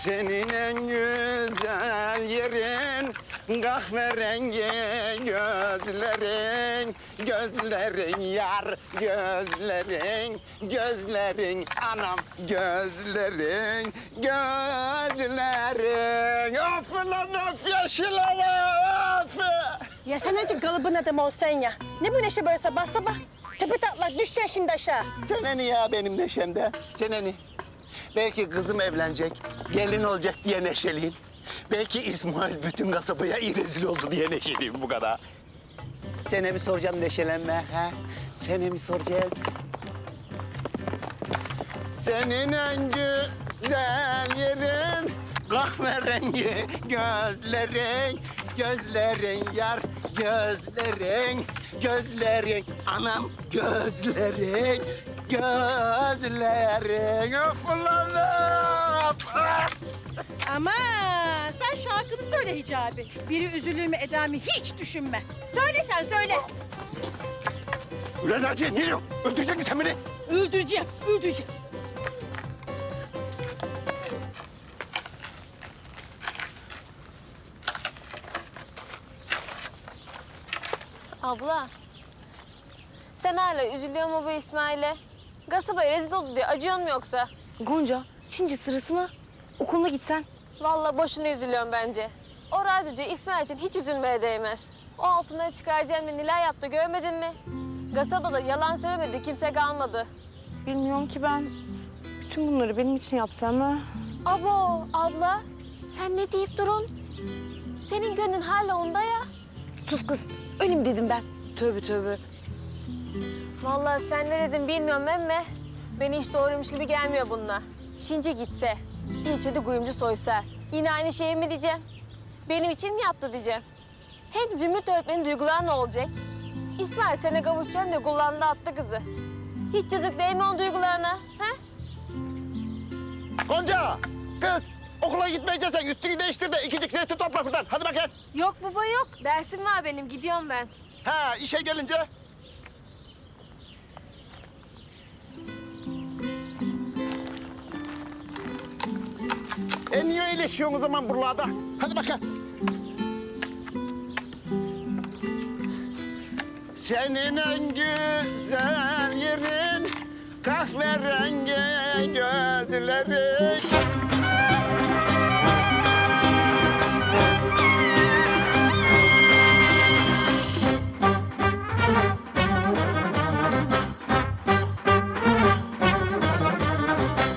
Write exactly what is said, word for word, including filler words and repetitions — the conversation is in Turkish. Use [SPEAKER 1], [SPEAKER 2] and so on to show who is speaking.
[SPEAKER 1] Senin en güzel yerin kahverengi gözlerin, gözlerin yar, gözlerin, gözlerin anam, gözlerin, gözlerin. Of lan of yeşil hava, of!
[SPEAKER 2] Ya sen önce kalıbın adamı olsan ya. Ne bu neşe böyle sabah sabah? Tepe taklak düşeceksin şimdi aşağı.
[SPEAKER 1] Seneni ya benim neşemde, seneni. Belki kızım evlenecek, gelin olacak diye neşeliyim. Belki İsmail bütün kasabaya iyi rezil oldu diye neşeliyim bu kadar. Sene mi soracağım neşelenme, ha? Sene mi soracağım? Senin en güzel yerin kahverengi gözlerin, gözlerin yar, gözlerin, gözlerin anam, gözlerin, gözlerin. Of ulan of!
[SPEAKER 2] Ama sen şarkını söyle Hicabi. Biri üzülür mü eder mi hiç düşünme. Söyle sen söyle.
[SPEAKER 1] Ulan Naciye ne diyorsun? Öldürecek misin sen beni?
[SPEAKER 2] Öldüreceğim, öldüreceğim.
[SPEAKER 3] Abla, sen hala üzülüyor mu bu İsmail'e? Kasabaya rezil oldu diye acıyor mu yoksa?
[SPEAKER 4] Gonca, şimdi sırası mı? Okuluna gitsen.
[SPEAKER 3] Vallahi boşuna üzülüyorum bence. O radyocu İsmail için hiç üzülmeye değmez. O altından çıkaracağım diye neler yaptı görmedin mi? Kasabada yalan söylemedi, kimse kalmadı.
[SPEAKER 4] Bilmiyorum ki ben. Bütün bunları benim için yaptı ama...
[SPEAKER 3] Abo, abla, sen ne deyip durun? Senin gönlün hala onda ya.
[SPEAKER 4] Sus kız, öyle mi dedim ben? Tövbe tövbe.
[SPEAKER 3] Vallahi sen ne dedin bilmiyorum emme. Beni hiç doğruymuş gibi gelmiyor bununla. Şimdi gitse, ilçede kuyumcu soysa yine aynı şeyi mi diyeceğim? Benim için mi yaptı diyeceğim? Hem Zümrüt öğretmenin duyguları ne olacak? İsmail sene kavuşacağım diye kullandı attı kızı. Hiç yazık değil mi onun duygularına? He?
[SPEAKER 1] Gonca, kız okula gitmeyeceksen üstünü değiştir de ikicik zeytin topla buradan. Hadi bakayım.
[SPEAKER 3] Yok baba yok. Dersim var benim. Gidiyorum ben.
[SPEAKER 1] Ha işe gelince. E niye iyileşiyorsun o zaman buralarda? Hadi bakalım. Senin en güzel yerin kahverengi gözlerin.